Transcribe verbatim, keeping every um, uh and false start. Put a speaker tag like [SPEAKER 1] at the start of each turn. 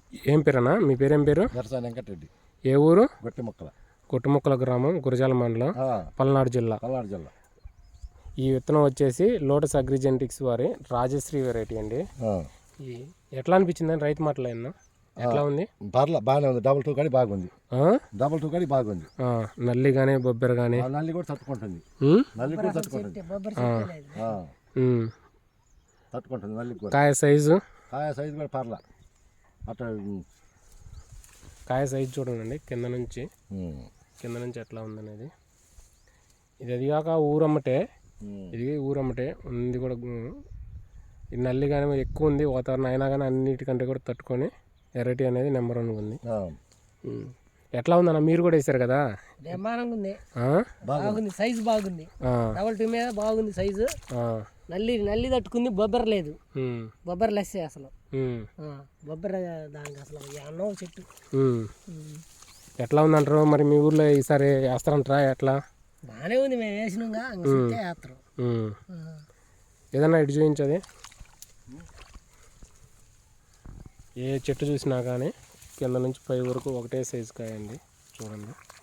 [SPEAKER 1] ఏం పేరన్నా మీ పేరేం పేరు?
[SPEAKER 2] దర్శన వెంకటరెడ్డి.
[SPEAKER 1] ఏ ఊరు?
[SPEAKER 2] గొట్టిముక్కల.
[SPEAKER 1] గొట్టిముక్కల గ్రామం, గురజాల మండలం, పల్నాడు జిల్లా.
[SPEAKER 2] పల్నాడు జిల్లా.
[SPEAKER 1] ఈ విత్తనం వచ్చేసి లోటస్ అగ్రిజెంటిక్స్ వారి రాజశ్రీ వెరైటీ అండి. ఈ ఎట్లా అనిపించిందని రైతు మాటలైనా ఎట్లా ఉంది?
[SPEAKER 2] పర్లా బాగానే ఉంది. డబుల్ టూ కాడి బాగుంది. డబుల్ టూ కాడి బాగుంది.
[SPEAKER 1] నల్లి కానీ బొబ్బెర కానీ
[SPEAKER 2] నల్లి కూడా తట్టుకుంటుంది. నల్లి కూడా తట్టుకుంటుంది. తట్టుకుంటుంది నల్లి కూడా.
[SPEAKER 1] కాయ సైజు
[SPEAKER 2] కాయ సైజు కూడా పర్లా. అట్లా
[SPEAKER 1] కాయ సైజు చూడండి కింద నుంచి కింద నుంచి ఎట్లా ఉందనేది. ఇది అది కాక ఊరమ్మటే, ఇది ఊరమ్మటే ఉంది కూడా. ఇది నల్లి కానీ ఎక్కువ ఉంది వాతావరణం అయినా కానీ అన్నిటికంటే కూడా తట్టుకొని వెరైటీ అనేది నెంబర్ వన్ ఉంది. ఎట్లా ఉందన్న మీరు కూడా వేసారు కదా?
[SPEAKER 3] బ్రహ్మాండంగా ఉంది. బాగుంది, సైజు బాగుంది. డబల్ టూ మీద బాగుంది సైజు. నల్లి నల్లి తట్టుకుంది, బొబ్బర లేదు. బొబ్బర లెస్సే అసలు. బొబ్బర దానికి అసలు అన్నో చెట్టు.
[SPEAKER 1] ఎట్లా ఉందంటారు మరి మీ ఊర్లో ఈసారి వేస్తారంటారా? ఎట్లా?
[SPEAKER 3] బాగానే ఉంది, మేము వేసినాగా వేస్తారు.
[SPEAKER 1] ఏదన్నా ఇటు చూపించది. ఏ చెట్టు చూసినా కానీ కింద నుంచి పై వరకు ఒకటే సైజు కాయండి చూడండి.